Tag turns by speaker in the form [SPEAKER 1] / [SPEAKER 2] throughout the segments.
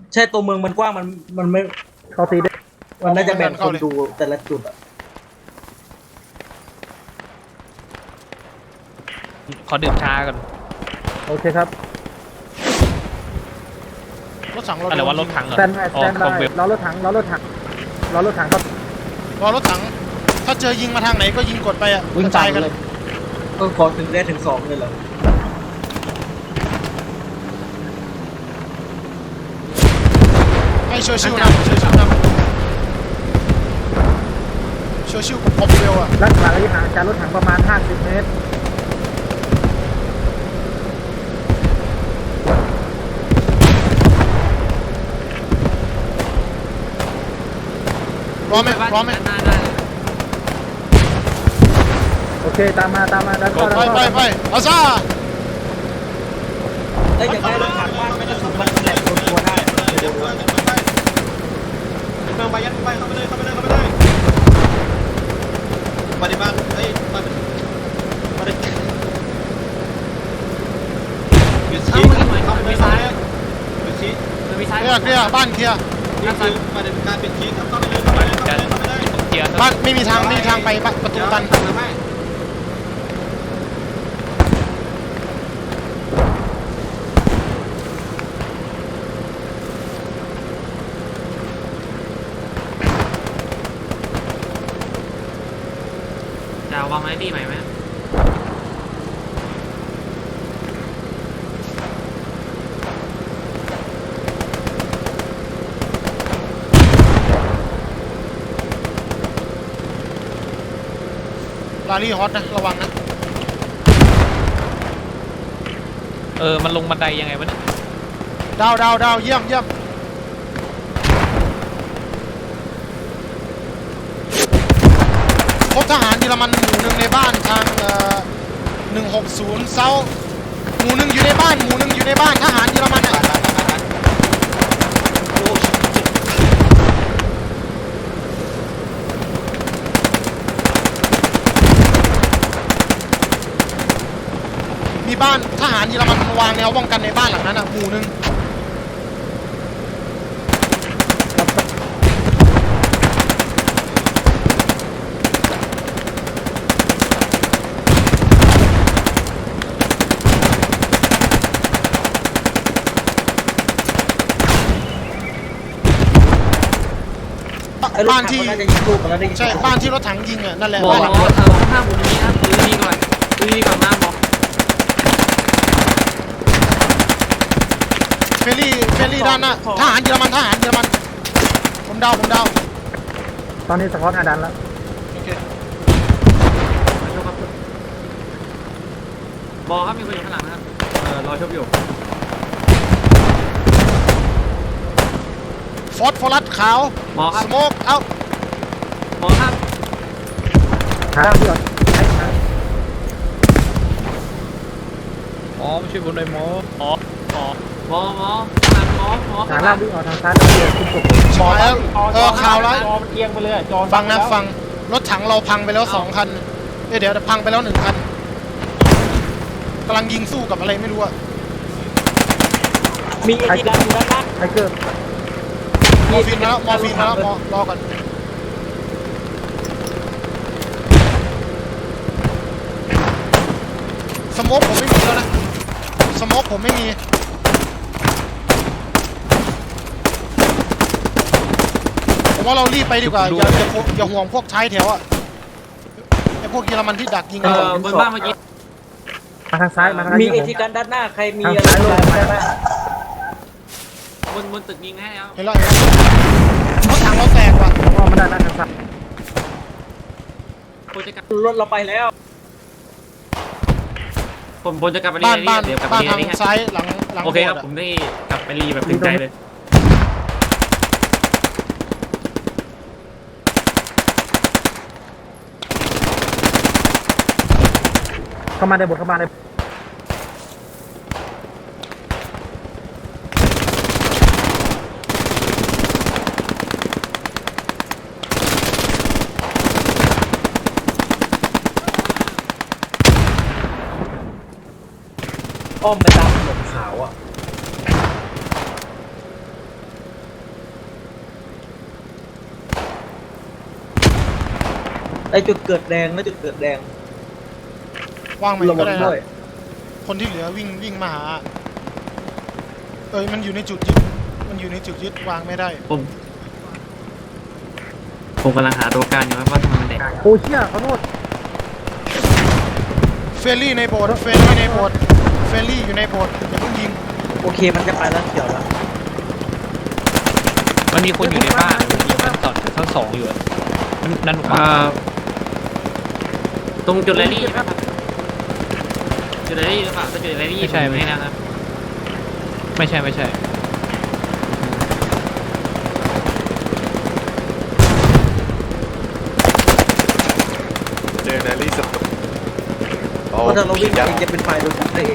[SPEAKER 1] ใช่ตัวเมืองมันกว้างมันไม่
[SPEAKER 2] เขาตีได้
[SPEAKER 1] มันน่าจะแบ่งคนดูแต่ละจุดอะ
[SPEAKER 3] ขอดื่มชาก่อน
[SPEAKER 2] โอเคครับ
[SPEAKER 4] รถถังเรา
[SPEAKER 3] อะไรว่ารถถังเหรอ
[SPEAKER 2] สแตนบายส
[SPEAKER 3] อ๋อ
[SPEAKER 2] แตน
[SPEAKER 3] ข
[SPEAKER 2] บา
[SPEAKER 3] อง
[SPEAKER 2] ย
[SPEAKER 3] เว็บ
[SPEAKER 2] รอรถถังรอรถถังรอรถถังครับ
[SPEAKER 4] รอรถถังถ้าเจอยิงมาทางไหนก็ยิงกดไปอ่ะ
[SPEAKER 1] วิ่ง
[SPEAKER 4] กระ
[SPEAKER 1] ตา
[SPEAKER 4] จาม ยกัน
[SPEAKER 1] เลยก็ขอถึงได้ถึง2เลยเหรอ
[SPEAKER 4] ให้เชอร์ชิลนำเชอร์ชิลนำเชอร์ชิลกับคอมเวลอ่ะ
[SPEAKER 2] รักษาระยะห่างจากรถถังประมาณ50 เมตร
[SPEAKER 4] พร้อมไหมพร้อมไหม
[SPEAKER 2] โอเคตามมาดันเข้าดัน
[SPEAKER 4] ไป
[SPEAKER 2] เข้า
[SPEAKER 4] ไปอาซ่า
[SPEAKER 1] เอ้ยอยากได้รถถังบ้านไม่ได้สุดมันแหลกคนตัวได้
[SPEAKER 5] เมืองไปยัดไปเข้าไปเลยมาในบ้านเฮ้ยมาในหยุดชี้เข้าไปซ้ายหยุดชี้
[SPEAKER 4] เคลียร์บ้านเคลียร์
[SPEAKER 5] นี่คือมาในการปิดชี้เข้าไปเลย
[SPEAKER 3] เกียร์
[SPEAKER 4] บ้านไม่มีทางไปประตูตัน
[SPEAKER 5] ทำไม
[SPEAKER 3] จะวางไว้ดีใหม่ไหม
[SPEAKER 4] ลารี่ฮอตนะระวังนะ
[SPEAKER 3] มันลงบันไดยังไงวะเนี่ย
[SPEAKER 4] ดาวเยี่ยมพบทหารเยอรมันหมู่หนึ่งในบ้านทาง160เซาหมู่หนึ่งอยู่ในบ้านทหารเยอรมันอ่ะมีบ้านทหารเยอรมันวางแนวป้องกันในบ้านหลังนั้นอ่ะหมู่หนึ่งบ้านที่
[SPEAKER 1] น่าจะยิงลูกกันแล้วได้ยิน
[SPEAKER 4] ใช่บ้านที่รถถังยิงอ่ะนั่นแหละ
[SPEAKER 3] บอก
[SPEAKER 4] บ้านหลัง
[SPEAKER 3] ว่า
[SPEAKER 4] นั้น
[SPEAKER 3] ห้ามบุญนี้ครับดูดีก่อนนะบอก
[SPEAKER 4] เฟรลี่ด้านหน้าทหารเยอรมันผมเดา
[SPEAKER 2] ตอนนี้สกอตอาดันแล้ว
[SPEAKER 4] โอเค
[SPEAKER 3] บอกครับมีคนอยู่ข้างหลังนะครับรอชมอยู่
[SPEAKER 4] ฟอสฟอรัสขาว
[SPEAKER 3] บอกครับ
[SPEAKER 4] สโมกเอา
[SPEAKER 3] บอกครับ
[SPEAKER 2] หาที่ก่อน
[SPEAKER 3] ไม่ใช่บนไดหมอหมอหมอ
[SPEAKER 2] หาล่างวิ่งออกทางซ้ายแล้วเดียวคุณสุก
[SPEAKER 4] หมอแล้วข่าวแล้ว
[SPEAKER 6] จอมันเอียงไปเลยอะจอ
[SPEAKER 4] ฟังนะฟังรถถังเราพังไปแล้ว2 คันเดี๋ยวพังไปแล้ว1 คันกำลังยิงสู้กับอะไรไม่รู้อะ
[SPEAKER 6] มีไอ้ที่ดันอยู่ด้านล่าง
[SPEAKER 2] ไทเกอร์
[SPEAKER 4] มอร์ฟีนมาแล้วรอก่อนสโมกผมไม่มีแล้วนะสโมกผมไม่มีผมว่าเรารีบไปดีกว่าอย่าห่วงพวกท้ายแถวอะไอพวกเยอรมันที่ดักยิงเรา
[SPEAKER 3] บนบ้านเมื่อกี้
[SPEAKER 2] มาทางซ้ายมาทาง
[SPEAKER 1] มี
[SPEAKER 2] ซ้าย
[SPEAKER 1] ไอ้
[SPEAKER 2] ผม
[SPEAKER 1] ที่กันด้านหน้าใครมี
[SPEAKER 2] ทาง
[SPEAKER 1] อะไร
[SPEAKER 2] ซ้ายลงมา
[SPEAKER 1] ได้ไหม
[SPEAKER 3] บนตึกยิงให้แล้ว
[SPEAKER 4] เห็นแล้วรถถังเราแตกว่ะ
[SPEAKER 2] อ้อมมาได้นะทางซ้าย
[SPEAKER 3] ผมจะกลับ
[SPEAKER 1] รถเราไปแล้ว
[SPEAKER 3] ผมจะกลับไปรี
[SPEAKER 4] บ้าน
[SPEAKER 3] เดี๋ยวกลับไป
[SPEAKER 4] บ้าน
[SPEAKER 3] รี
[SPEAKER 4] ทาง
[SPEAKER 3] นี่
[SPEAKER 4] ซ้ายหลัง
[SPEAKER 3] โอเคครับ
[SPEAKER 4] โบสถ์ะ
[SPEAKER 3] ผมได้กลับไปรีแบบถึงใจเลย
[SPEAKER 2] เข้ามาในบทเข้ามาใน
[SPEAKER 1] อ้อมไปตามถนนขาวอ่ะไอจุดเกิดแดงนะจุดเกิดแดง
[SPEAKER 4] ว่างไหม
[SPEAKER 1] ระวั
[SPEAKER 4] ก็
[SPEAKER 1] ง
[SPEAKER 4] ได้
[SPEAKER 1] ด้วย
[SPEAKER 4] นะคนที่เหลือวิ่งมาหามันอยู่ในจุดยึดมันอยู่ในจุดยึดวางไม่ได้
[SPEAKER 3] ผมกำลังหาตัวการอยู่ว่าทำไมมันแดง
[SPEAKER 2] โอ้เชี่ยขอโทษ
[SPEAKER 4] เฟรลี่ในโบสถ์เฟรลี่ในโบสถ์เฟรลี่อยู่ในโบสถ์อย่าเพิ่งยิง
[SPEAKER 1] โอเคมันจะไปแล้วเขียวแล้ว
[SPEAKER 7] มันมีคนอยู่ในบ้านมันมีชั้นสองอยู่อะมันนั่นหรือเปล่า
[SPEAKER 3] ตรงจุดแรลลี่ใช่ไหมครับจุดแรลลี่หรือเปล่าถ้าจุดแรลลี่ผมไม่นะครับ
[SPEAKER 7] ไม่ใช่ไม่ใช่
[SPEAKER 8] เจอแรลลี่สตุก
[SPEAKER 1] เพราะถ้าเราวิ่งเองจะเป็นไฟโดนจับได้เอง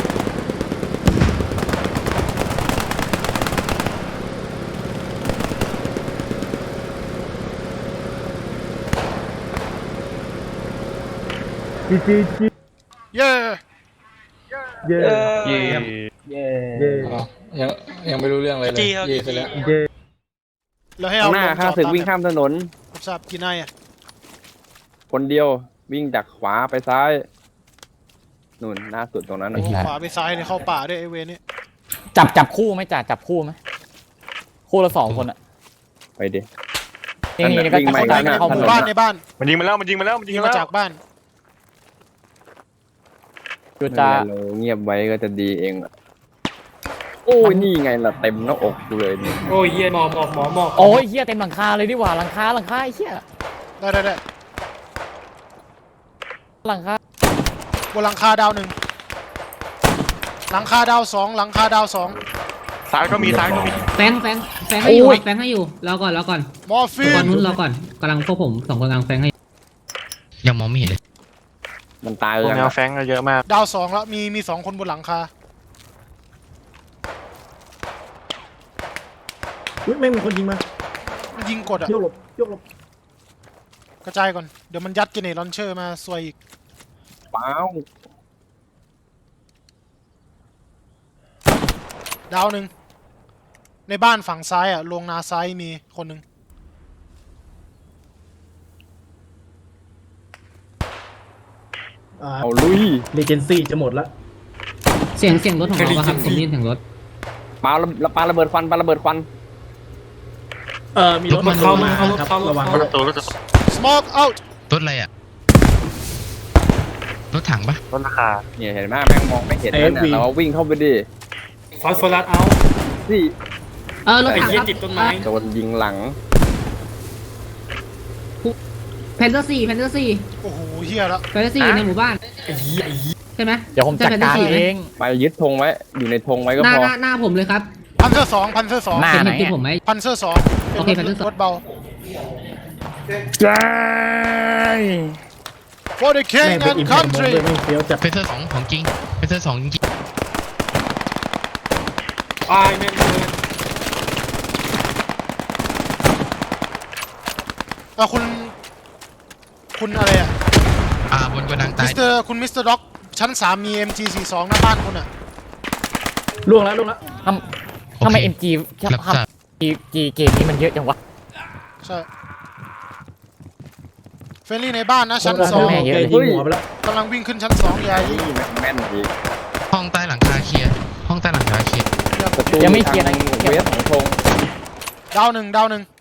[SPEAKER 2] จี
[SPEAKER 4] เย้
[SPEAKER 2] เย่
[SPEAKER 8] เย่
[SPEAKER 6] เย่
[SPEAKER 2] เย่
[SPEAKER 9] ยังไม่รู้เรื่องอะไรเลยเย่ไปแล้ว
[SPEAKER 2] เย่
[SPEAKER 4] แล้วให้เอา
[SPEAKER 9] หน้าข้าศึกวิ่งข้ามถนน
[SPEAKER 4] ทราบกี่นายอ่ะ
[SPEAKER 9] คนเดียววิ่งจากขวาไปซ้ายนู่นหน้าสุดตรงนั้น
[SPEAKER 4] โอ้
[SPEAKER 9] นะ
[SPEAKER 4] ขวาไปซ้ายเนี่ยเข้าป่าด้วยไอเวนี่
[SPEAKER 6] จับคู่ไหมจ่าจับคู่ไหมคู่ละ2 คนอ่ะ
[SPEAKER 9] ไปดิ
[SPEAKER 6] นี่ก็
[SPEAKER 9] วิ่งมาอีก
[SPEAKER 6] เข้า
[SPEAKER 9] แล้วนะ
[SPEAKER 6] เข้า
[SPEAKER 4] ห
[SPEAKER 6] มื
[SPEAKER 4] มู่
[SPEAKER 6] อ
[SPEAKER 4] บ้านในบ้าน
[SPEAKER 8] มันยิงมาแล้วมันยิงมาแล้วมันยิง
[SPEAKER 4] ยิง
[SPEAKER 8] มา
[SPEAKER 4] มา
[SPEAKER 8] แล้ว
[SPEAKER 4] จากบ้าน
[SPEAKER 6] จุดจ่า
[SPEAKER 9] เราเงียบไว้ก็จะดีเองอะโอ้ยนี่ไงล่ะเต็มหน้าอกกูเลยนี่
[SPEAKER 3] โอ้ยเยี่ยหมอก
[SPEAKER 6] โอ้ยเหี้ยเต็มหลังคาเลยดีกว่าหลังคาไอ้เหี้ย
[SPEAKER 4] ได้
[SPEAKER 6] หลังคา
[SPEAKER 4] บนหลังคาดาว 1หลังคาดาว 2หลังคาดาว 2
[SPEAKER 8] ซ้ายก็มีซ้ายก็มี
[SPEAKER 10] แฟงให้อยู่แฟงให้อยู่รอก่อน
[SPEAKER 4] มอร์ฟี
[SPEAKER 10] ตอน นนู้นรอก่อนกำลังพวกผม2 คนกำลังแฟงให้
[SPEAKER 7] ยังมองไม่เห็นเลย
[SPEAKER 9] มันตาย
[SPEAKER 8] พวก
[SPEAKER 9] ยัง
[SPEAKER 8] แนว
[SPEAKER 9] อะ
[SPEAKER 8] แฟงก็เยอะมาก
[SPEAKER 4] ดาว 2แล้วมี2 คนบนหลังคา
[SPEAKER 2] ไม่มีคนยิงมา
[SPEAKER 4] ยิงกดอ่ะ
[SPEAKER 2] โยกหลบโยกหลบ
[SPEAKER 4] กระจายก่อนเดี๋ยวมันยัดเจเนตลอนเชอร์มาซวยอีก
[SPEAKER 9] เปล่า
[SPEAKER 4] ดาว 1ในบ้านฝั่งซ้ายอ่ะลงนาซ้ายมีคนหนึ่ง
[SPEAKER 9] เอาลุย
[SPEAKER 2] เลเจนซี่จะหมดละ
[SPEAKER 10] เสียงรถของเราครับผมได้ยินเสียงรถ
[SPEAKER 9] ปาระเบิดควันปาระเบิดควัน
[SPEAKER 2] มีรถมันเข้ามาครับระวัง
[SPEAKER 8] ประตูรถ
[SPEAKER 4] smoke out
[SPEAKER 7] รถอะไรอ่ะรถถังปะ
[SPEAKER 8] รถราคา
[SPEAKER 9] เนี่ยเห็นไหมแม่งมองไม่เห็นนั่นน่ะเราวิ่งเข้าไปดิ
[SPEAKER 3] ฟอสฟอรัสเอา
[SPEAKER 9] สิ
[SPEAKER 10] รถถังครับ
[SPEAKER 9] โดนยิงหลัง
[SPEAKER 10] แพนเทอร์4
[SPEAKER 4] โอ้โหเฮียแล้ว
[SPEAKER 10] แพนเทอร์4ในหมู่บ้านใช่ไหม
[SPEAKER 6] เดี๋ยวผมจัดการเอง
[SPEAKER 9] ไปยึดธงไว้อยู่ในธงไว้ก็
[SPEAKER 10] หน้า
[SPEAKER 9] พอ
[SPEAKER 10] หน้าผมเลยครับ
[SPEAKER 4] พันเซอร์2พันเซอร์
[SPEAKER 6] หน้า
[SPEAKER 10] เห็น
[SPEAKER 6] ไหน
[SPEAKER 10] ติดผมไหม
[SPEAKER 4] 2พันเซอร์2
[SPEAKER 10] โอเค Panzer 2
[SPEAKER 4] รถเบา
[SPEAKER 9] ใจ
[SPEAKER 4] for the
[SPEAKER 2] แม่
[SPEAKER 4] king
[SPEAKER 2] งเป็น
[SPEAKER 4] and
[SPEAKER 2] อิมแพคมอง
[SPEAKER 4] country
[SPEAKER 2] ด้วยไม่เฟี้ยวจัด
[SPEAKER 7] เพเซอร์2ของจริงเพเซอร์2จริง
[SPEAKER 3] ตายแม่งเลย
[SPEAKER 4] คุณอะไรอ่ะ
[SPEAKER 7] บนกระดัง
[SPEAKER 4] มิ
[SPEAKER 7] ตาย
[SPEAKER 4] สเตอร์คุณมิสเตอร์ด็อกชั้น 3 มี MG42 หน้าบ้านคุณอ่ะ
[SPEAKER 2] ล่วงแล้ว
[SPEAKER 6] ทำไม MG
[SPEAKER 7] รับทราบ
[SPEAKER 6] G เกมนี้มันเยอะจังวะ
[SPEAKER 4] ใช่เฟรนลี่ในบ้านนะชั้น
[SPEAKER 6] แม่เยอะ
[SPEAKER 2] ยิงหัวไปแล้ว
[SPEAKER 4] 2กำลังวิ่งขึ้นชั้น 2อย่ายิง
[SPEAKER 9] นี่แม่นดี
[SPEAKER 7] ห้องใต้หลังคาเคลียร์ห้องใต้หลังคาเคลียร์
[SPEAKER 9] ประตู
[SPEAKER 6] ยังไม่เคลียร์นะ
[SPEAKER 9] ทางเวสของธง
[SPEAKER 4] ดาว 1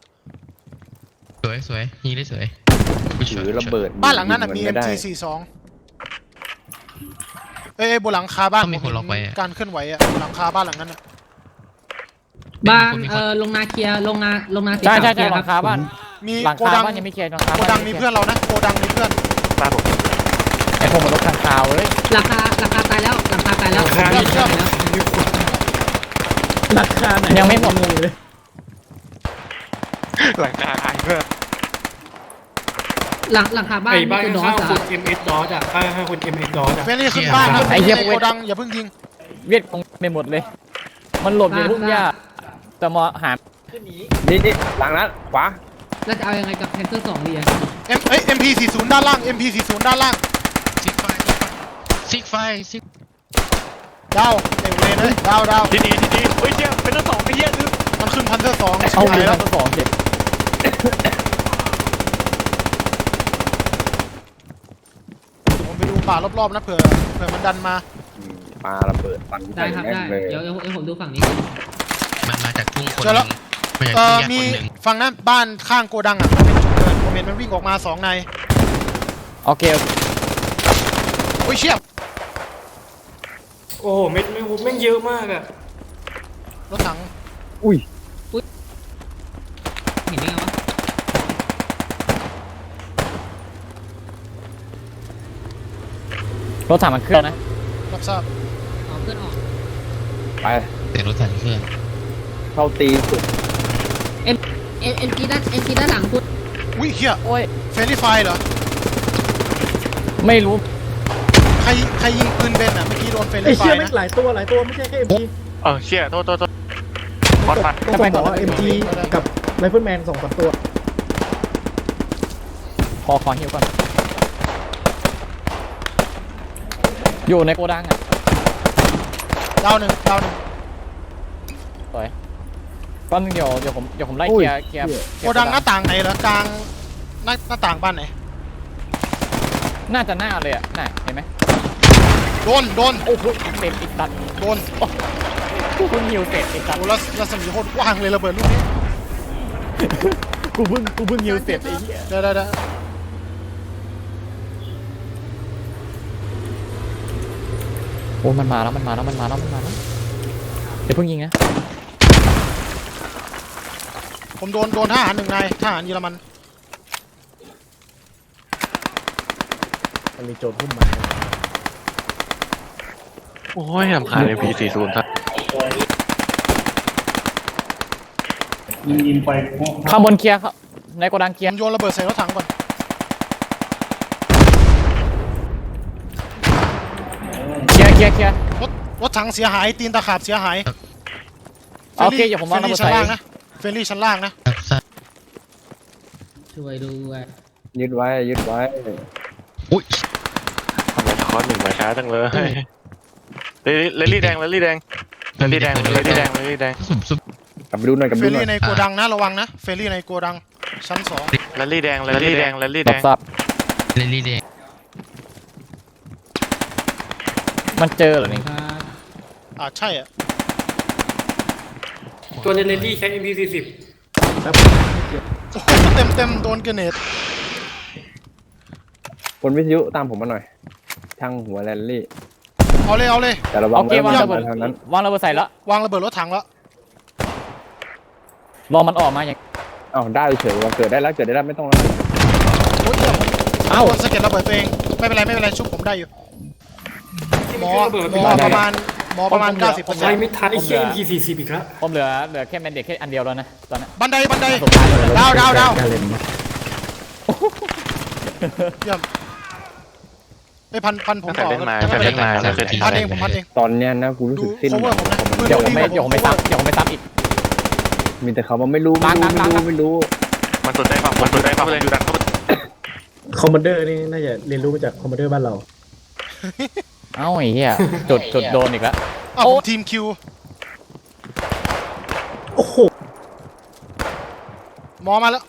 [SPEAKER 7] สวยยิงได้สวย
[SPEAKER 9] ถือระเบิด
[SPEAKER 4] บ้านหลังนั้นมี
[SPEAKER 9] ยิงนไได้
[SPEAKER 4] MG42 บนหลังคาบ้าน
[SPEAKER 7] ต้องมีคนล็อกไว้อะ
[SPEAKER 4] การเคลื่อนไหวอ่ะบนหลังคาบ้านหลังนั้นอ่ะ
[SPEAKER 10] บ้านลงนาเคลียร์ลงนาสี
[SPEAKER 6] ใช่
[SPEAKER 10] ขาว
[SPEAKER 6] ใช่
[SPEAKER 10] เคลียร์
[SPEAKER 6] ห
[SPEAKER 10] ค
[SPEAKER 6] ลั
[SPEAKER 10] รับ
[SPEAKER 6] งคาบ้าน
[SPEAKER 4] มี
[SPEAKER 6] หลัง
[SPEAKER 4] โก
[SPEAKER 6] คา
[SPEAKER 4] ดัง
[SPEAKER 6] บ้านยังไม่เคลียร์หลังคา
[SPEAKER 4] โกดังมีเพื่อนเรานะโกดังมีเพื่อน
[SPEAKER 8] ตาผม
[SPEAKER 6] ไอ้พวกมันรถทางคาวเลย
[SPEAKER 10] ราคาตายแล้วราคาตายแล้ว
[SPEAKER 2] ราคาไหน
[SPEAKER 6] ยังไม่หมด
[SPEAKER 2] เลย
[SPEAKER 8] หลังคาไอ้เพื่อน
[SPEAKER 10] หลังคาบ้าน
[SPEAKER 3] ไอ้บ้าน
[SPEAKER 10] คือดอ
[SPEAKER 3] ข้าง
[SPEAKER 10] ส
[SPEAKER 3] ๆคุณ MS DOS อ่ะให้คุณ MS DOS อ่ะ
[SPEAKER 4] เฟรนลี่ขึ้นบ้านนะเฟรนลี่ในโกดังอย่าเพิ่งยิง
[SPEAKER 6] เวียดคงไปหมดเลย มันหลบอยู่ทุ่งหญ้าแต่มาหา
[SPEAKER 9] นี่หลังนั้นขวา
[SPEAKER 10] แล้วจะเอายังไงกับแพนเทอร์2ดีอะ
[SPEAKER 4] MP40 ด้านล่าง MP40 ด้านล่าง
[SPEAKER 7] ซิก
[SPEAKER 4] ดาวเอเวเลยดาว
[SPEAKER 8] ที่ดีเฮ้ยเชี่ยเป็นทั้งสองไอ้เหี้ยคือ
[SPEAKER 4] มันขึ้นพันเซอร์2
[SPEAKER 6] เอา
[SPEAKER 4] หา
[SPEAKER 6] เรื
[SPEAKER 4] ย
[SPEAKER 6] อ
[SPEAKER 4] แล้ว
[SPEAKER 6] ทั้งสองเจ็บ
[SPEAKER 4] ารอบๆนะเผื่อมันดันมา
[SPEAKER 9] ปาระเบิดฟัน
[SPEAKER 10] ได้ครับ
[SPEAKER 9] แม่ง
[SPEAKER 10] ได้
[SPEAKER 9] เลย
[SPEAKER 10] เดี๋ยวผมดูฝั่งนี้
[SPEAKER 5] มันมาจากทุ่งคน
[SPEAKER 4] เจอ
[SPEAKER 5] ห
[SPEAKER 4] แล้
[SPEAKER 5] นึ่
[SPEAKER 4] ว
[SPEAKER 5] งมาจากทุ่งแยก
[SPEAKER 4] มี
[SPEAKER 5] คนหนึ่ง
[SPEAKER 4] ฝั่งนั้นบ้านข้างโกดังอ่ะมันเป็นจุดเกิดผมเห็นมันวิ่งออกมา2 นาย
[SPEAKER 6] โอเค
[SPEAKER 4] โอ้ยเชี่ย
[SPEAKER 3] โอ้โหเม็ดแม่งเยอะมากอะ
[SPEAKER 4] รถถัง
[SPEAKER 9] อุ้ย
[SPEAKER 10] เห็นได้ไงวะ
[SPEAKER 6] รถถังมันเคลื่อนนะ
[SPEAKER 4] รับทราบ
[SPEAKER 10] เอาเพื่อนออก
[SPEAKER 9] ไป
[SPEAKER 5] แต่รถถังเครื่อง
[SPEAKER 9] เข้าตีสุด
[SPEAKER 10] เอ็มจีด้านหลังคุณ
[SPEAKER 4] อุ้ยเฮีย
[SPEAKER 6] โอ้ย
[SPEAKER 4] เฟรนลี่ไฟเหรอ
[SPEAKER 6] ไม่รู้
[SPEAKER 4] ใครยิงปืนเบนอ่ะเมื่อกี้โดนเฟรน
[SPEAKER 2] ไอ้
[SPEAKER 4] ลี่ไฟ
[SPEAKER 2] เชี่ยไม่
[SPEAKER 4] นะ
[SPEAKER 2] หลายตัวไม่ใช่แค่ MG
[SPEAKER 8] เชี่ยโทษบอสฟัน
[SPEAKER 2] ต้องบอกว่า MG กับไรเฟิลแมน2-3 ตัว
[SPEAKER 6] ขอฮิวก่อนอยู่ในโกดังอ่ะ
[SPEAKER 4] ดาวหนึ่ง
[SPEAKER 6] สวยตอนนึงเดี๋ยวผมไล่เคลียร์
[SPEAKER 4] โกดังหน้าต่างไหนเหรอกลางหน้าต่างบ้านไหน
[SPEAKER 6] น่าจะหน้าเลยอ่ะน่าเห็นไหม
[SPEAKER 4] โดน
[SPEAKER 6] โอ้โหเต็มอีกตัด
[SPEAKER 4] โดน
[SPEAKER 6] กูเพิ่งฮิวเสร็จอีกตัด
[SPEAKER 4] โอ้แล้วรัศมีโคตรกว้างเลยระเบิดลูกนี้
[SPEAKER 6] กูเพิ่งฮิวเสร็จไอ้เหี้ย
[SPEAKER 4] ได้
[SPEAKER 6] โอ้มันมาแล้วเดี๋ยวเพิ่งยิงนะ
[SPEAKER 4] ผมโดนทหาร1 นายทหารเยอรมัน
[SPEAKER 2] มันมีโจรพุ่มมา
[SPEAKER 8] โอ้ยรำคาญเลยP40ท่าน
[SPEAKER 6] ข้างบนเคลียร์ครับในโกดังเคลี
[SPEAKER 4] ผ
[SPEAKER 6] ยร์
[SPEAKER 4] มโยนระเบิดใส่รถถังก่อน
[SPEAKER 6] เคลียร์
[SPEAKER 4] รถถังเสียหายตีนตะขาบเสียหาย
[SPEAKER 6] โอเคเดี๋ยวผมวางระเบิด
[SPEAKER 4] ชั้น
[SPEAKER 6] ใส่
[SPEAKER 4] ล่างนะเฟรนลี่ชั้นล่างนะ
[SPEAKER 5] ครับทราบ
[SPEAKER 10] ช่วยด้วย
[SPEAKER 9] ยึดไว้
[SPEAKER 5] อุ้ย
[SPEAKER 8] ทำไมคอร์ส1มาช้าจังเลยเลลี่แดง
[SPEAKER 5] ซุ่ม
[SPEAKER 9] กลับไปดูหน่อย
[SPEAKER 4] เฟรนลี่ในโกดังนะระวังนะเฟรนลี่ในโกดังชั้น2
[SPEAKER 8] เลลี่แดง
[SPEAKER 6] รับทราบ
[SPEAKER 5] เรลลี่แดง
[SPEAKER 6] มันเจอเหรอนี่
[SPEAKER 10] ครับ
[SPEAKER 4] ใช่อ่ะ
[SPEAKER 3] ตัวในเลนดี้ใช้ MP40
[SPEAKER 2] แล้วไม่เกี่ยว
[SPEAKER 4] โอ้โหเต็มโดนเกรเนต
[SPEAKER 9] คนวิทยุตามผมมาหน่อยช่างหัวแรลลี่
[SPEAKER 4] เอาเลย
[SPEAKER 9] แต่ระวั
[SPEAKER 6] โอง เควางระเบิด
[SPEAKER 9] ทางนั้น
[SPEAKER 6] วางระเบิดใส่แล้ว
[SPEAKER 4] วางระเบิดรถถังแล้ว
[SPEAKER 6] รอมันออกมาอย่าง
[SPEAKER 9] อ้าวได้เฉยว่าเกิดได้แล้วไม่ต้องแล้ว
[SPEAKER 4] โอ้ยเดี๋ยวผม
[SPEAKER 6] เอ้า
[SPEAKER 4] โดนสะเก็ดระเบิดตัวเองไม่เป็นไรชุบผมได้อยู่หมอประมาณ 90%
[SPEAKER 3] ใช้ไม่ทันไอ้เชี่ย MP40 อีกแล้ว
[SPEAKER 6] ผมเหลือแค่แมนเด็กแค่อันเดียวแล้วนะตอนนี้
[SPEAKER 4] บันได
[SPEAKER 6] สุดท้ายเลย
[SPEAKER 4] ดาว
[SPEAKER 2] การเล่น
[SPEAKER 4] เยี่ยมไอ้พันผมต่อ
[SPEAKER 8] เล่นมาไม่เคย
[SPEAKER 4] พันเองผมพันเอง
[SPEAKER 9] ตอนเนี้ยนะกูรู้
[SPEAKER 4] ดู
[SPEAKER 9] สึกสิ้น
[SPEAKER 4] cover ผมนะ
[SPEAKER 6] เดี๋ยวผมไม่ซ้ำอีก
[SPEAKER 9] มีแต่เขาว่าไม่รู้
[SPEAKER 8] มันสุดได้ป่ะเลยอยู่ดันเข้าไป
[SPEAKER 2] คอมมานเดอร์นี่น่าจะเรียนรู้มาจากคอมมานเดอร์บ้านเรา
[SPEAKER 6] เอ้าไอ้เหี้ยจุดโดนอีกแล้ว
[SPEAKER 4] ผมทีมคิว
[SPEAKER 2] โอ้โห
[SPEAKER 4] หมอมาแล้ว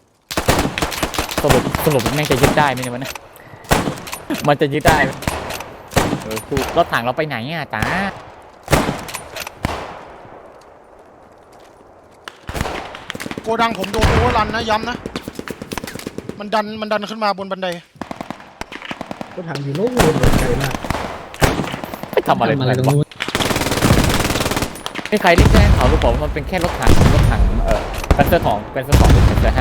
[SPEAKER 6] สรุปแม่งจะยึดได้ไหมเนี่ยมันมันจะยึดได้ไหม
[SPEAKER 9] สู้
[SPEAKER 6] รถถังเราไปไหนอ่ะจ้า
[SPEAKER 4] โกดังผมโดนโอเวอร์รันนะย้ำนะมันดันขึ้นมาบนบันได
[SPEAKER 2] รถถังอยู่โน่นไกลมาก
[SPEAKER 6] ไปทำอะไร
[SPEAKER 10] ทำอะไรตรง
[SPEAKER 6] วะ
[SPEAKER 10] นู้น
[SPEAKER 6] ไม่ใครที่แจ้งเขาหรือเปล่าว่ามันเป็นแค่รถถังเป็นเสื้อ2เป็นเสื้อ5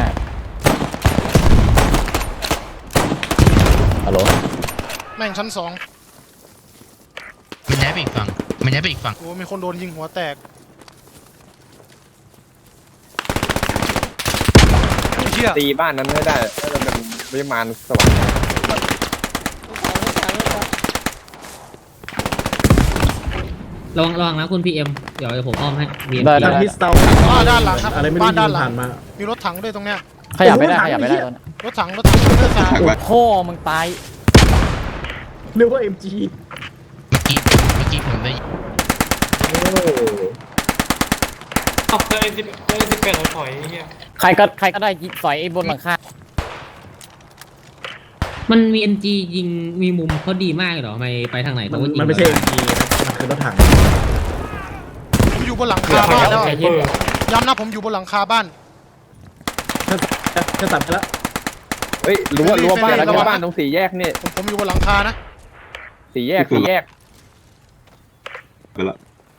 [SPEAKER 6] ฮัลโหล
[SPEAKER 4] แม่งชั้น
[SPEAKER 5] มันย้ายไปอีกฝั่ง
[SPEAKER 4] 2โอ้มีคนโดนยิงหัวแตกเชี่ย
[SPEAKER 9] ตีบ้านนั้นให้ได้ถ้าจะเป็นวิมานสวรรค์
[SPEAKER 10] ระวังนะคุณ PM เดี๋ยวผมอ้อมให้ VM
[SPEAKER 6] ได้
[SPEAKER 2] ทางฮิสเตา
[SPEAKER 4] ด้านหลังครับ
[SPEAKER 2] อะไรไม่รู้
[SPEAKER 4] บ้านด้านหลัง
[SPEAKER 2] ผ่านมา
[SPEAKER 4] มีรถถังด้วยตรงเนี้ย
[SPEAKER 6] ขยับไม่ได้ตอนนี้
[SPEAKER 4] รถถังเลือดสาด
[SPEAKER 6] โอ้พ่อมึงตาย
[SPEAKER 2] เรียกว่า MG
[SPEAKER 5] เมื่อกี้ผมได้
[SPEAKER 2] โอ้
[SPEAKER 3] เอาเจอ M18 ถอยไอ้เหี้ย
[SPEAKER 6] ใครก็ได้สอยไอ้บนหลังคา
[SPEAKER 10] มันมี NG ยิงมีมุมเขาดีมากเลยเหรอไม่ไปทางไหนเขาก็ยิง
[SPEAKER 1] มันไม่ใช่ MG นะมันคือรถถัง
[SPEAKER 4] ผมอยู่บนหลังคาบ้านแล้วย้ำนะผมอยู่บนหลังคาบ้าน
[SPEAKER 1] จะตัดไปแล้ว
[SPEAKER 9] เฮ้ยรั้วบ้านแล้วรั้วบ้านตรงสี่แยกนี่
[SPEAKER 4] ผมอยู่บนหลังคานะ
[SPEAKER 9] สี่แยก
[SPEAKER 5] ไปละ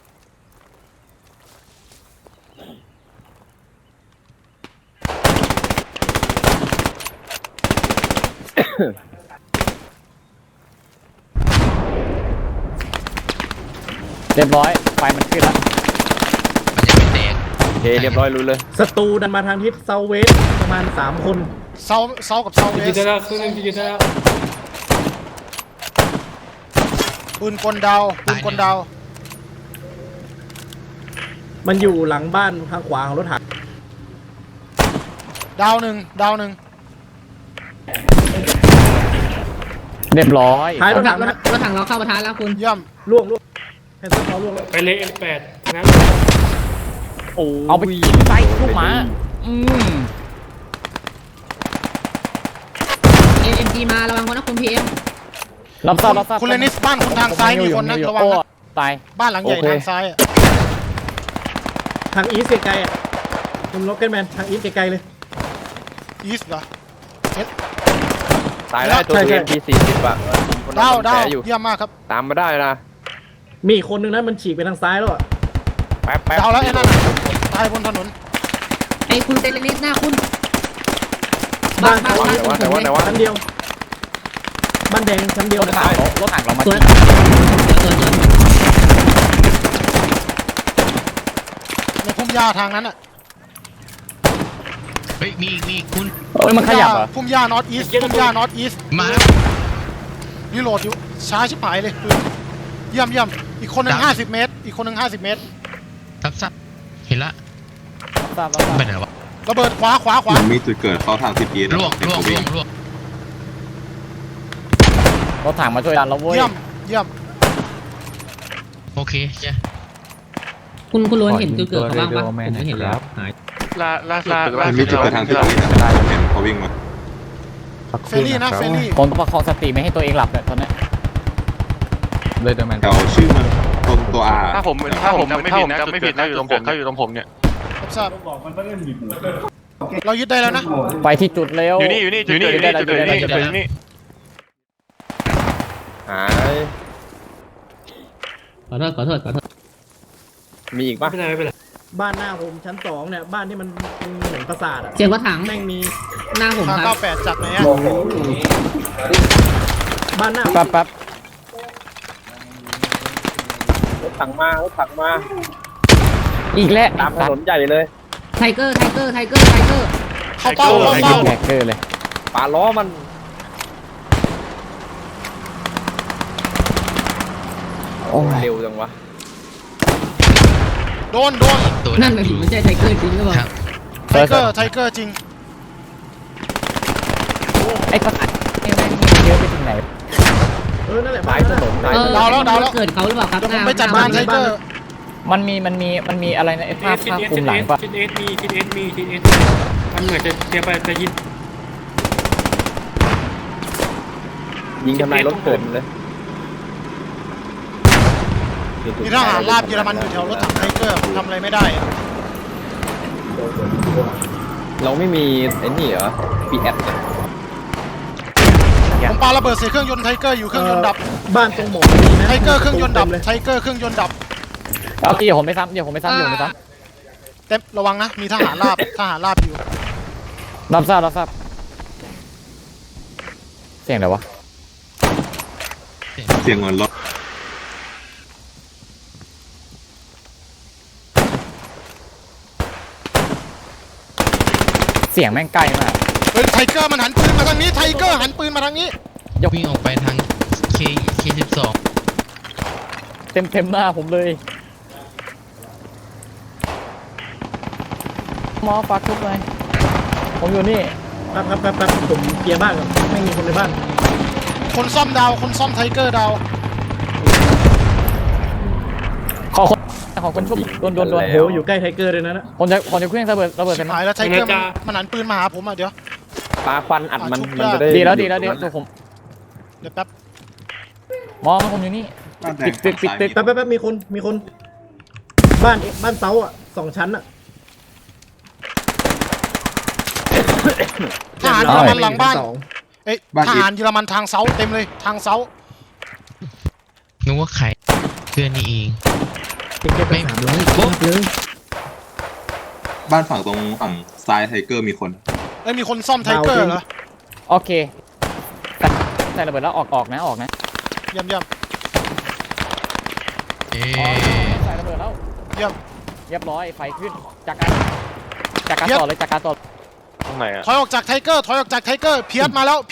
[SPEAKER 6] เรียบร้อยไฟมันขึ้นแล้ว
[SPEAKER 7] มันยังไม่แตก
[SPEAKER 9] โอเคเรียบร้อยรู้เลย
[SPEAKER 1] ศัตรูดันมาทางทิศเซาเวสประมาณ3 คน
[SPEAKER 4] เซากับเซาเวสปืนกลดาวปืนกลดาว
[SPEAKER 1] มันอยู่หลังบ้านทางขวาของรถถัง
[SPEAKER 4] ดาวหนึ่ง
[SPEAKER 6] เรียบร้อย
[SPEAKER 1] ท้าย
[SPEAKER 10] ร
[SPEAKER 1] ร
[SPEAKER 10] ถ
[SPEAKER 1] ถ
[SPEAKER 10] ถั
[SPEAKER 1] ถั
[SPEAKER 10] ง
[SPEAKER 1] งนะ
[SPEAKER 10] รถถังเราเข้าประทานแล้วคุณ
[SPEAKER 4] เยี่ยม
[SPEAKER 1] ล่วงแค่เขาล่วงแล้ว
[SPEAKER 3] ไปเลย N8 นะ
[SPEAKER 9] โอ้
[SPEAKER 6] เอาไปกินไส้ลูกหมา
[SPEAKER 10] MG มาระวังคนนะคุณ PM
[SPEAKER 6] รับทราบ
[SPEAKER 4] คุณเลนิสบ้านคุณทางซ้ายมีคนนะระวังนะ
[SPEAKER 6] ตาย
[SPEAKER 4] บ้านหลังใหญ่ทางซ้ายอะ
[SPEAKER 1] ทางอีสไกลๆอ่ะคุณล็อกเก็ตแมนทางอีสไกลๆเลย
[SPEAKER 4] อีสเหรอ
[SPEAKER 9] ตายแล้วตัว
[SPEAKER 1] ใช่
[SPEAKER 9] TNT40 อ่ะ
[SPEAKER 4] ดาว
[SPEAKER 9] แผลอยู่
[SPEAKER 4] เยี่ยมมากครับ
[SPEAKER 9] ตามมาได้นะ
[SPEAKER 1] มีอีกคนนึงนะมันฉีกไปทางซ้ายแล้วอ่ะ
[SPEAKER 9] แป๊บ
[SPEAKER 4] ดาวแล้วไอ้นั่นน่ะตายบนถนน
[SPEAKER 10] ไอ้คุณเซเลนิสหน้าคุณ
[SPEAKER 1] บ้าน
[SPEAKER 10] บ้าน
[SPEAKER 9] แต่ว่า
[SPEAKER 1] ชั้นเดียวบ้านแดงชั้นเดียว
[SPEAKER 6] รถถังเรามา
[SPEAKER 10] สวยสวย
[SPEAKER 4] ในพุ่มหญ้าทางนั้นอ่ะ
[SPEAKER 7] เฮ้ยมีคุณ
[SPEAKER 6] เอ้ยมันขยับเหรอ
[SPEAKER 4] พุ่มหญ้านอตอีสพุ่มหญ้านอตอีส
[SPEAKER 7] มา
[SPEAKER 4] รีโหลดอยู่ช้าชิบหายเลยปืนเยี่ยมอีกคนหนึ่ง50 เมตร อีกคนหนึ่ง50 เมตร
[SPEAKER 7] ซับเห็นละ
[SPEAKER 6] ทราบ
[SPEAKER 7] ไปไหนวะ
[SPEAKER 4] ระเบิดขวา
[SPEAKER 5] มันมีจุดเกิดเข้าทางทิศอีส
[SPEAKER 7] ล่วง
[SPEAKER 6] รถถังมาช่วยดันเราเว้ย
[SPEAKER 4] เยี่ยม
[SPEAKER 7] โอเคใช่
[SPEAKER 10] คุณล้วนเห็นจุดเกิดเขาบ้างปะผมไม่เห็นแล้วหาย
[SPEAKER 8] ล่าสุด
[SPEAKER 5] มันมีจุดเกิดทางทิศอีสนะเห็นเขาวิ่งมา
[SPEAKER 4] เฟรลี่นะเฟรลี่
[SPEAKER 6] ผมต้องประคองสติไม่ให้ตัวเองหลับเนี่ยตอนนี้
[SPEAKER 5] แถวชื่อมันตรงตัว R
[SPEAKER 8] ถ้าผมจำไม่ผิดนะอยู่ตรงผมเนี่ย
[SPEAKER 4] ครับทราบเรายึดได้แล้วนะ
[SPEAKER 6] ไปที่จุดเร็ว
[SPEAKER 8] อยู่นี่จุดเกิดนี่
[SPEAKER 9] หาย
[SPEAKER 10] ขอโทษ
[SPEAKER 9] มีอีกปะ
[SPEAKER 3] ไม่เป็นไร
[SPEAKER 1] บ้านหน้าผมชั้น2เนี่ยบ้านที่มันเหมือนปราสาทอ่ะ
[SPEAKER 10] เสียงรถถัง
[SPEAKER 1] แม่งมี
[SPEAKER 10] หน้าผม
[SPEAKER 4] ทาง
[SPEAKER 10] ครับ
[SPEAKER 4] 98จากไหนอะ
[SPEAKER 1] บ้านหน้า
[SPEAKER 6] แป๊บ
[SPEAKER 9] รถถังมา
[SPEAKER 6] อีกแล้ว
[SPEAKER 9] ตามถนนใหญ่เลย
[SPEAKER 10] ไทเกอร์
[SPEAKER 4] เข้าเป้า
[SPEAKER 6] แบกเกอร์เลย
[SPEAKER 9] ป่าล้อมัน
[SPEAKER 6] โอ้ย
[SPEAKER 9] เร็วจังวะ
[SPEAKER 4] โดน
[SPEAKER 7] ตัว
[SPEAKER 10] นั่นหมายถึงไม่ใช่ไทเกอร์จริงหรือเปล่า
[SPEAKER 4] ไทเกอร์จริง
[SPEAKER 6] ไอ้ประสาทนี่แม่งเยอะไปถึงไหน
[SPEAKER 1] นั่นแหละ
[SPEAKER 9] ซ้ายถนนซ้ายถนน
[SPEAKER 4] ดาวแล้ว
[SPEAKER 10] เกิดเขาหรือเปล่าครับ
[SPEAKER 4] เดี๋ยวผมไปจัดบ้านไทเกอร์
[SPEAKER 6] มันมีอะไรนะไอ้ภาพคุมหลังปะ
[SPEAKER 3] ทิศเอสมันเหมือนจะเตรียมไปจะยิง
[SPEAKER 9] ยิงทำลายรถเกิดเลย
[SPEAKER 4] มีทหารราบเยอรมันอยู่แถวรถถังไทเกอร์ผมทำอะไรไม่ได้อะ
[SPEAKER 9] เราไม่มีไอ้นี่เหรอ PS
[SPEAKER 4] ผมปาระเบิดใส่เครื่องยนต์ไทเกอร์อยู่เครื่องยนต์ดับ
[SPEAKER 1] บ้านตรงหมอนี่นะ
[SPEAKER 4] ไทเกอร์เครื่องยนต์ดับ
[SPEAKER 1] เลย
[SPEAKER 4] ไทเกอร์เครื่องยนต์ดับ
[SPEAKER 6] เอาเดี๋ยวผมไม่ซ้ำ
[SPEAKER 4] เต็มระวังนะมีทหารราบอยู่
[SPEAKER 6] รับทราบเสียงอะไรวะ
[SPEAKER 5] เสียงเหมือนรถ
[SPEAKER 6] เสียงแม่งใกล้มาก
[SPEAKER 4] เฮ้ยไทเกอร์มันหันปืนมาทางนี้ไทเกอร์หันปืนมาทางนี้
[SPEAKER 7] วิ่งออกไปทาง K12
[SPEAKER 6] เต็มหน้าผมเลยหมอฝากทุกเลยผมอยู่นี่
[SPEAKER 1] แป๊บผมเคลียร์บ้านก่อนไม่มีคนในบ้าน
[SPEAKER 4] คนซ่อมดาวคนซ่อมไทเกอร์ดาว
[SPEAKER 6] ขอคนชุบโดน
[SPEAKER 1] โอ้โหอยู่ใกล้ไทเกอร์เลยนะ
[SPEAKER 6] คนจะเครื่องระเบิด
[SPEAKER 4] ชิบ
[SPEAKER 6] กัน
[SPEAKER 4] หายแล้วไทเกอร์มันหันปืนมาหาผมอ่ะเดี๋ยว
[SPEAKER 9] ปาควันอัดมันมันจะได้
[SPEAKER 6] ดีแล้วตัวผม
[SPEAKER 4] เดี๋ยวแป๊บ
[SPEAKER 6] มองผมอยู่นี่
[SPEAKER 5] บ้านแดง
[SPEAKER 6] ปิดตึก
[SPEAKER 1] แป๊บมีคน บ้านเซาอ่ะ2 ชั้นอ่ะ
[SPEAKER 4] ทหารเยอรมันหลังบ้าน
[SPEAKER 1] สอง
[SPEAKER 4] เอ้ยทหารเยอรมันทางเซาเต็มเลยทางเซา
[SPEAKER 7] นึกว่าใครเพื่อนนี่เอง
[SPEAKER 1] เก็บไป300เลย
[SPEAKER 5] บ้านฝั่งตรงฝั่งซ้ายไทเกอร์มีคน
[SPEAKER 4] เอ้ยมีคนซ่อมไทเกอร์เหรอ
[SPEAKER 6] โอเคใส่ระเบิดแล้วออกนะ
[SPEAKER 4] เยี่ยม
[SPEAKER 6] ใส่ระเบิดแล้ว
[SPEAKER 4] เยี่ยม
[SPEAKER 6] เรียบร้อยไฟขึ้นจากการต่อเลยจากการต่อ
[SPEAKER 8] ตรงไหนอ่ะ
[SPEAKER 4] ถอยออกจากไทเกอร์เพียสมาแล้ว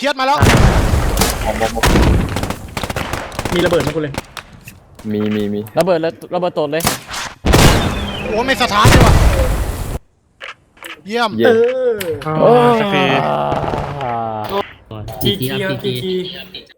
[SPEAKER 1] มีระเบิดไหมคุณเลย
[SPEAKER 9] มี
[SPEAKER 6] ระเบิดตดเลย
[SPEAKER 4] โอ้ไม่สถานเลยว่ะเยี่ยม
[SPEAKER 9] เยี่ยม
[SPEAKER 1] เออ
[SPEAKER 6] โอ้
[SPEAKER 8] สักที
[SPEAKER 10] จีจีครับจีจี